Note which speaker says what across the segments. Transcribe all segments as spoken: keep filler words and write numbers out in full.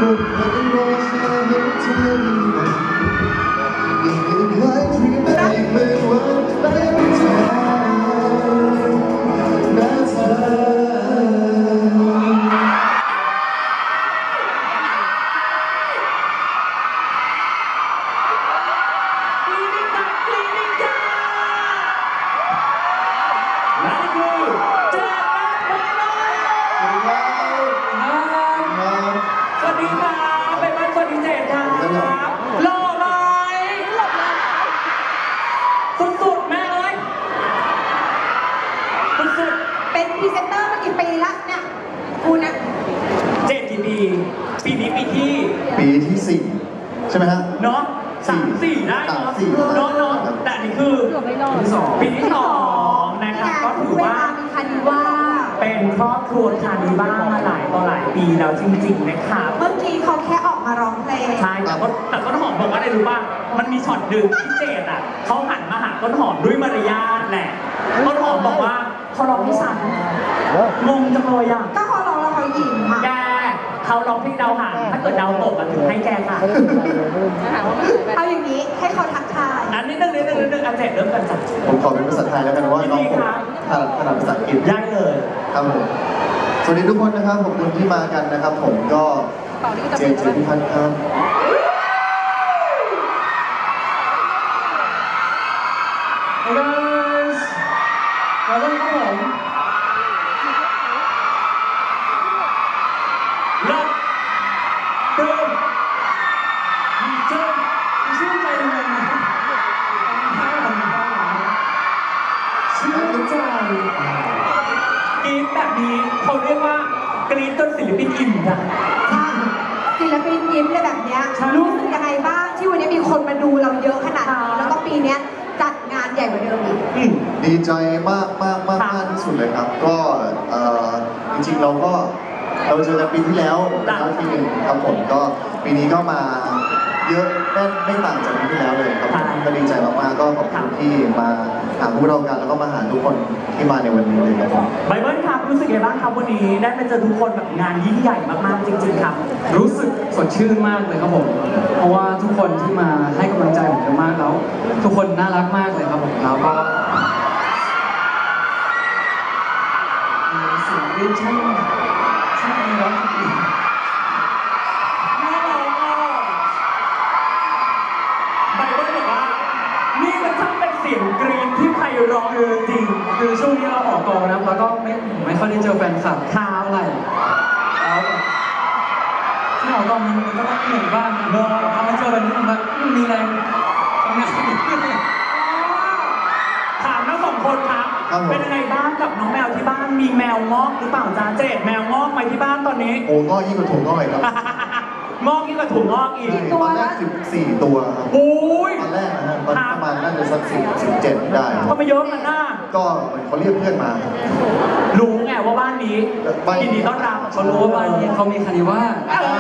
Speaker 1: เป็นพรีเซนเตอร์มากี่ปีละเนี่ยคุณนะ
Speaker 2: เจ็ดกี่ปีปีนี้ปีที่
Speaker 3: ปีที่สี่ใช่ไหมฮะ
Speaker 2: เนาะสามสี่ได้
Speaker 3: สาม
Speaker 2: เนาะ
Speaker 3: สี่
Speaker 2: เนาะเนาะแต่อันนี่คือปีที่สองปีที่สองนะครับก็ถือว่า
Speaker 1: มีคันว่า
Speaker 2: เป็นครอบครัวคานิบ้ามาหลายต่อหลายปีแล้วจริงๆนะครับ
Speaker 1: เมื่อกี้เขาแค่ออกมาร้องเพลง
Speaker 2: ใช่แต่ก็แต่ต้นหอมบอกว่าอะไรรู้ป่ะมันมีช็อตดึงพิเศษอ่ะเขาหันมาหาต้นหอมด้วยมารยาทแหละต้นหอมบอกว่าเขาร้องให้ฉันงงจังเลยอ่ะ
Speaker 1: ก็เขาร้องแล้วเขายิ้มค่ะ
Speaker 2: แกเขาร้องเพลงดาวหางถ้าเกิดดาวตกอ่ะถึงให้แกค่ะ
Speaker 1: เอาอย่างนี้ให้เขาทักทาย
Speaker 2: อันนี้นึงนิดนึงนิดนึงอันเจ็ดเริ่มกันจ้ะ
Speaker 3: ผมขอเป็นภาษาไทยแล้วกันว่าน้องผมถนัดถนัดภาษาอังกฤษ
Speaker 2: ได้เลย
Speaker 3: ครับผมสวัสดีทุกคนนะครับขอบคุณที่มากันนะครับ ผมก็เจนเจนพิพัฒน์ครับ
Speaker 2: Hey guys มาเริ่มครับผมเริ่มเติมเติมชื่นใจเลยนะชื่นใจกรี๊ดแบบนี้เขาเรียกว่ากรี๊ดจนศิลปินอิ่มอะ
Speaker 1: ศิลปินยิ้มเลยแบบเนี้ย
Speaker 2: ใช่
Speaker 1: รู้สึกยังไงบ้างที่วันนี้มีคนมาดูเราเยอะขนาดนี้แล้วก็ปีเนี้ยจัดงานใหญ่กว่าเดิมอีก
Speaker 2: อืม
Speaker 3: ดีใจมากมากมากมากที่สุดเลยครับ ก็เอ่อจริงๆเราก็เราเจอกันปีที่แล้วแล้วทีหนึ่งครับผมก็ปีนี้ก็มาเยอะไม่ไม่ต่างจากปีที่แล้วเลยครับผมก็ดีใจมากๆก็ขอบคุณที่มาหาพวกเรากันแล้วก็มาหาทุกคนที่มาในวันนี้เลยครับผม
Speaker 2: ไบเบิลครับรู้สึกยังไงบ้างครับวันนี้ได้มาเจอทุกคนแบบงานยิ่งใหญ่มากๆจริงๆครับ
Speaker 4: รู้สึกสดชื่นมากเลยครับผม เพราะว่าทุกคนที่มาให้กำลังใจผมเยอะมากแล้ว ทุกคนน่ารักมากเลยครับผมแล้วก็เสียงเรียนช่างช่างดีร้องดี
Speaker 2: แม่ร้องอ่ะไบเบิลบอกว่านี่มันช่างเป็นเสียงกรี๊ดที่ไพเราะเลยจริง
Speaker 4: คือช่วงนี้เราออกกองนะแล้วก็ไม่ไม่ค่อยได้เจอแฟนคลับ
Speaker 2: ข่าว
Speaker 4: เท่าไหร่แล้วแบบที่ออกกองมันมันก็ต้องเหนื่อยบ้างเนอะพอมาเจอแบบนี้มันแบบมีแรงทำงานอีกขึ้นเลย
Speaker 2: ถามทั้งสองคนครับ
Speaker 3: ครับผม
Speaker 2: เป็นยังไงบ้างกับน้องแมวที่บ้านมีแมวงอกหรือเปล่าจ้าเจดแมวงอกไหมที่บ้านตอนนี้
Speaker 3: โอ้ก็ยิ่งกว่าถุงก็เลยครับ
Speaker 2: งอกยิ่งกว่าถุงงอกอีก
Speaker 3: ตอนแรกสิบสี่ตัวครับ
Speaker 2: โอ้ย
Speaker 3: ตอนแรกนะฮะตอนประมาณน่าจะสักสิบสิบเจ็ดได้
Speaker 2: ก็ไม่เยอะมันน่า
Speaker 3: ก็เหมือนเขาเรียกเพื่อนมา
Speaker 2: รู้ไงว่าบ้านนี้
Speaker 3: บ้าน
Speaker 2: ยินดีต้อนรับ
Speaker 4: เขารู้ว่าบ้านนี้เขามีคานิว่า
Speaker 2: อ่า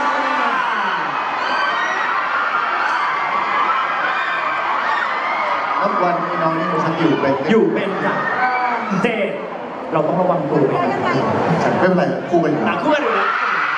Speaker 3: แล้ววันนี้น้องนี่ฉันอยู่เป็น
Speaker 2: อยู่เป็นจ้ะเจดเราต้องระวังตัวไปนะ
Speaker 3: ไม่เป็นไรคู่กันอยู่
Speaker 2: หนักคู่กันอยู่แล้ว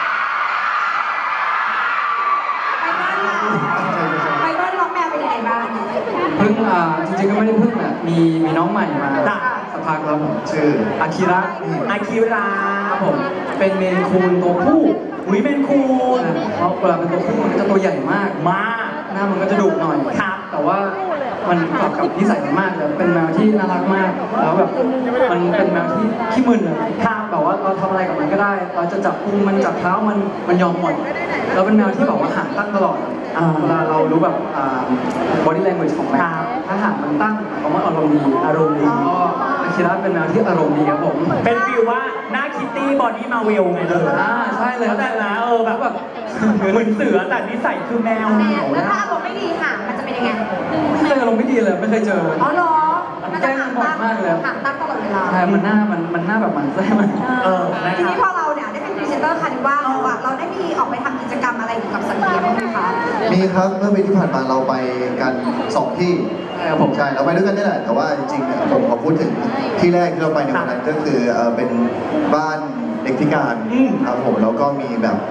Speaker 1: ไปบ้านเราไปบ้านน้องแมวเป็นยังไงบ้าง
Speaker 4: เพิ่งอ่าจริงๆก็ไม่ได้เพิ่งอ่ะมีมีน้องใหม่มาสักพักแล้วผม
Speaker 3: ชื่อ
Speaker 4: อาคิระ
Speaker 2: อาคิรา
Speaker 4: ครับผมเป็นเมนคูนตัวผู้
Speaker 2: อุ้ยเป็นคูณ
Speaker 4: เพราะเวลาเป็นตัวผู้มันก็จะตัวใหญ่มาก
Speaker 2: มาก
Speaker 4: หน้ามันก็จะดุหน่อย
Speaker 2: ครับ
Speaker 4: แต่ว่ามันกลับกับนิสัยมันมากเลยเป็นแมวที่น่ารักมากแล้วแบบมันเป็นแมวที่ขี้มึนอะข้ามแบบว่าเราทำอะไรกับมันก็ได้ เราจะจับพุงมันจับเท้ามันมันยอมหมดแล้วเป็นแมวที่แบบว่าหางตั้งตลอด
Speaker 2: อ่า
Speaker 4: เวลาเรารู้แบบอ่า body language ของแม
Speaker 2: ครั
Speaker 4: ว
Speaker 2: บ
Speaker 4: ถ้าหางมันตั้งหมายความว่าอารมณ์ดี
Speaker 2: อารมณ์ดี
Speaker 4: ก็อาคิระเป็นแมวที่อารมณ์ดีครับผม
Speaker 2: เป็นฟิลว่าหน้าคิตตี้บอดี้มาเวลไงเลย
Speaker 4: อ่าใช่เลย
Speaker 2: แล้วแต่ละเออแบบแบบเหมือนเสือแต่นิสัยคือแมว
Speaker 1: แม
Speaker 2: เหนียว
Speaker 1: แล้ว
Speaker 2: นะ
Speaker 1: ถ้าอารมณ์ไม่ดีห่างมันจะเป็นยังไง
Speaker 4: ไม่เคยอารมณ์ไม่ดีเลยไม่เคยเจอ
Speaker 1: อ๋อเหรอมันจะห่างตั้ง
Speaker 4: มากเลย
Speaker 1: ห่างตั้งตลอดเวลา
Speaker 4: ใช่มันหน้ามันมันหน้าแบบหมันไส้มัน
Speaker 2: เออนะ
Speaker 1: ที
Speaker 2: ครั
Speaker 1: นี้
Speaker 2: บ
Speaker 1: พอเราเนี่ยได้เป็นพรีเซนเตอร์คานิว่าแล้วอะเราได้มีออกไปทำกิจกรรมอะไรเกี่ยวกับสัตว์เลี้ยงบ้างไหมคะ
Speaker 3: มีครับเมื่อปีที่ผ่านมาเราไปกันสองที่
Speaker 4: ใช่ครับผม
Speaker 3: ใช่เราไปด้วยกันนี่แหละแต่ว่าจริงๆเนี่ยผมขอพูดถึงที่แรกที่เราไปในวันนั้นก็คือเอ่อเป็นบ้านเด็กพิการ
Speaker 2: อืม
Speaker 3: ครับผมแล้วก็มีแบบ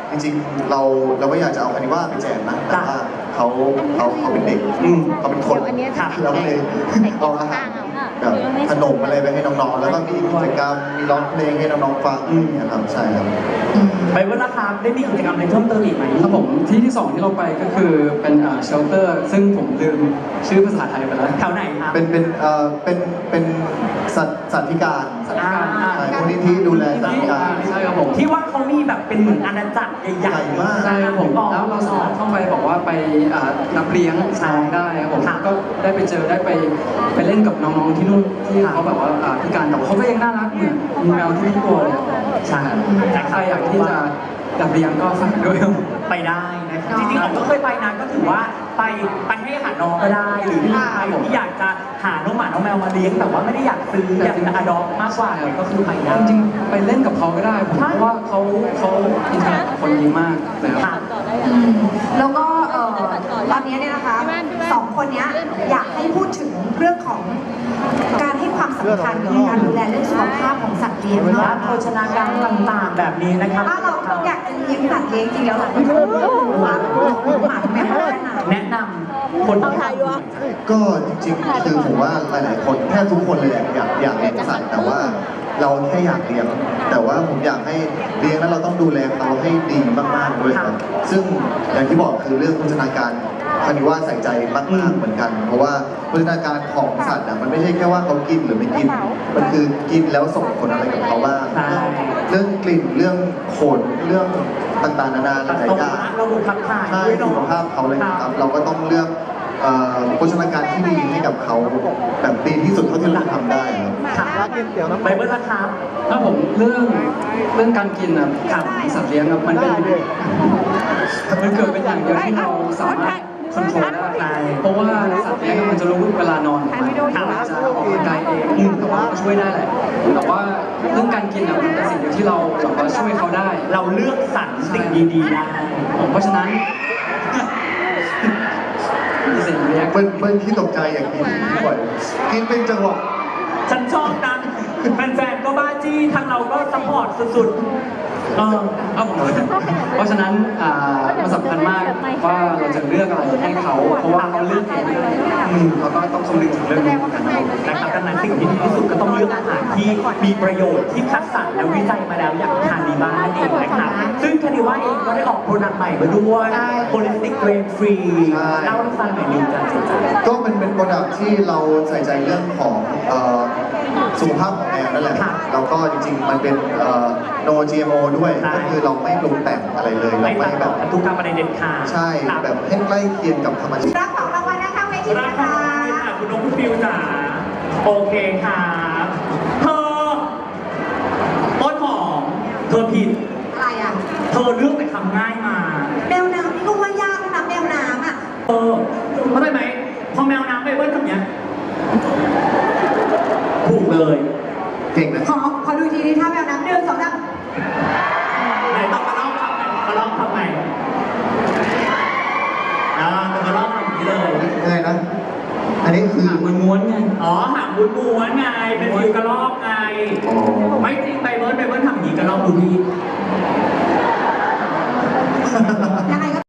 Speaker 3: จริงๆเราเราก็อยากจะเอาคานิว่าไปแจกนะแต่ว่าเขาเขาเขาเป็นเด็ก
Speaker 2: อืม
Speaker 3: เขาเป็นคน
Speaker 5: เดี๋ยวอันเนี้ยจะ
Speaker 3: เราก็เลยเอาอาหารแบบขนมอะไรไปให้น้องๆแล้วก็มีกิจกรรมมีร้องเพลงให้น้องๆฟังอะไรอย่างเงี้ยครับใช่ครับ
Speaker 2: ไปเวลาครับได้มีกิจกรรมอะไรเพิ่มเติมอีกไหม
Speaker 4: ครับผมที่ที่สองที่เราไปก็คือเป็นเชลเตอร์ซึ่งผมลืมชื่อภาษาไทยไปแล้ว
Speaker 2: แถวไหนครับ
Speaker 3: เป็นเป็นเอ่อเป็นเป็นสัตว์สัตว์พิการ
Speaker 4: สัตว์พิการ
Speaker 2: อ่า
Speaker 3: ใช่มูลนิธิดูแลสัตว์พิการ
Speaker 4: ใช่ครับผม
Speaker 2: ที่ว่าเขามีแบบเป็นเหมือนอาณาจักรใหญ่
Speaker 3: ใหญ่มาก
Speaker 4: ใช่ครับผมแล้วเราสามารถเข้าไปบอกว่าไปอ่ารับเลี้ยงช้างได้ครับผมก็ได้ไปเจอได้ไปไปเล่นกับน้องๆที่นู่นที่เขาแบบว่าอ่าพิการแต่ว่าเขาก็ยังน่ารักเหมือนมีแมวทุกตัวเลยครับใช่แต่ใครอยากที่จะรับเลี้ยงก็ฝากด้วยครับ
Speaker 2: ไปได้นะครับจริงๆผมก็เคยไปนะก็ถือว่าไปไปให้อาหารน้องก็ได้ หรือที่ใครที่อยากจะหาน้องหมาน้องแมวมาเลี้ยงแต่ว่าไม่ได้อยากซื้ออยากจะอดอปมากกว่าเนี่ยก็คือไปได้
Speaker 4: จริงๆไปเล่นกับเขาก็ได้ผมเพราะว่าเขาเขาอินเทอร์แอคกับคนดีมากนะครับ
Speaker 2: ค่ะ
Speaker 1: อืมแล้วก็เอ่อตอนนี้เนี่ยนะคะสองคนเนี้ยอยากให้พูดถึงเรื่องของการให้ความสำคัญกับการดูแลเรื่องสุขภาพของสัตว์เลี้ยง
Speaker 2: และ
Speaker 1: เนาะ
Speaker 2: โภชนาการต่างๆแบบนี้นะครับ
Speaker 1: ถ้าเราเราอยากจะเลี้ยงสัตว์เลี้ยงจริงแล้วเราต้องหมาหมาแมวแค่ไหน
Speaker 2: แนะนำคนที่ทำ
Speaker 3: ก็จริงๆคือผมว่าหลายๆคนแทบทุกคนเลยอยากอยากเลี้ยงสัตว์แต่ว่าเราแค่อยากเลี้ยงแต่ว่าผมอยากให้เลี้ยงแล้วเราต้องดูแลเขาให้ดีมากๆด้วยครับซึ่งอย่างที่บอกคือเรื่องโภชนาการคานิว่าใส่ใจมากๆเหมือนกัน เพราะว่าโภชนาการของสัตว์อ่ะมันไม่ใช่แค่ว่าเขากินหรือไม่กิน มันคือกินแล้วส่งผลอะไรกับเขาบ้าง
Speaker 2: ใช่
Speaker 3: เรื่องกลิ่นเรื่องขนเรื่องต่างๆนานาห
Speaker 2: ตัด
Speaker 3: ลาย
Speaker 2: ตรง
Speaker 3: อย่าง
Speaker 2: ระบบขับถ่าย
Speaker 3: ใช่
Speaker 2: ด้วย
Speaker 3: สุ
Speaker 2: เนาะ
Speaker 3: ขภาพเขาเลยนะครับ เราก็ต้องเลือกเอ่อโภชนาการที่ดีให้กับเขาแบบดีที่สุดเท่าที่เราทำได้ครับ
Speaker 2: ค่ะไปเมื่อราคา
Speaker 4: ถ้าผมเรื่องเรื่องการกินอ่ะกับสัตว์เลี้ยงอ่ะมันเป็นมันเกิดเป็นอย่างเดียวที่เราสามารถคอนโทรลได้เพราะว่าสัตว์เลี้ยงมันจะรู้เวลานอนของมันมันจะออกกำลังกายเองแต่ว่าก็ช่วยได้แหละแต่ว่าเรื่องการกินอ่ะมันเป็นสิ่งเดียวที่เราแบบว่าช่วยเขาได้
Speaker 2: เราเลือกสรรสิ่งดีๆได้
Speaker 4: เพราะฉะนั้นมีสิ่งเลี้ยง
Speaker 3: เบิ้ลเบิ้ลที่ตกใจอย่างกินบ่อยกินเป็นจังหวะ
Speaker 2: ฉันชอบนะแฟนๆก็บ้าจี้ทางเราก็ซัพพอร์ตสุดๆเออ
Speaker 4: ครับผมเพราะฉะนั้นอ่ามันสำคัญมากว่าเราจะเลือกอะไรให้เขา เพราะว่าเขาเลือกเองอืมเราก็ต้องคำนึงถึงเรื่องนี้เหมือนกันนะครับ
Speaker 2: นะครับดังนั้นสิ่งที่ดีที่สุดก็ต้องเลือกอาหารที่มีประโยชน์ที่คัดสรรและวิจัยมาแล้วอย่างทานดีบ้านนั่นเองนะครับซึ่งคานิว่าเองก็ได้ออกโปรดักต์ใหม่มาด้วย Holistic Grain Free เล่าให้ฟังหน่อยหนึงจ้ะเจ๊จ๋า
Speaker 3: ก็เป็นเป็นโปรดักที่เราใส่ใจเรื่องของเอ่อสุขภาพของแมวนั่นแหละ
Speaker 2: ค่ะ
Speaker 3: แล้วก็จริงๆมันเป็นเอ่อ no จี เอ็ม โอ ด้วย
Speaker 2: ใช่
Speaker 3: ก็คือเราไม่ปรุงแต่งอะไรเลยเรา
Speaker 2: ไม่
Speaker 3: ไม่
Speaker 2: ตัด
Speaker 3: แบ
Speaker 2: ต่อบ พันธุกรรมอะไรเด็ดขาด
Speaker 3: ใช่
Speaker 2: ครับ
Speaker 3: แบบให้ใกล้เคียงกับธรรมชาติ
Speaker 1: รับของรางวัลนะคะเวที
Speaker 2: รั
Speaker 1: นะ
Speaker 2: บ
Speaker 1: คะ
Speaker 2: ค่ะคุณน้องคุณฟิวจ๋าโอเคครับเธอต้นหอมเธอผิด
Speaker 1: อะไรอ่ะ
Speaker 2: เธอเลือกแต่คำง่ายมา
Speaker 1: แมวน้ำนี่ก็ว่ายากแล้วนะแมวน้ำอ่ะ
Speaker 2: เออเข้าใจไหมพอแมวน้ำไปเบิ้ลทำเนี้ยถูกเลย
Speaker 3: เก่งนะ
Speaker 1: ขอขอดูทีนี้ถ้าแมวน้ำหนึ่งสองสาม
Speaker 2: ไหนต้องมาลองทำไหนมาลองทำไหนอ่าต้องมาลองทำอย่างนี้เลย
Speaker 3: ยังไงนะ อันนี้คือ
Speaker 4: มันม้วนไง
Speaker 2: อ๋อหางบุญม้วนไง เป็นฟิวกระรอกไง
Speaker 3: อ๋อ
Speaker 2: ไม่จริงไปเบิ้ลไปเบิ้ลทำอย่างนี้กระรอกดูดี
Speaker 1: ยังไงก็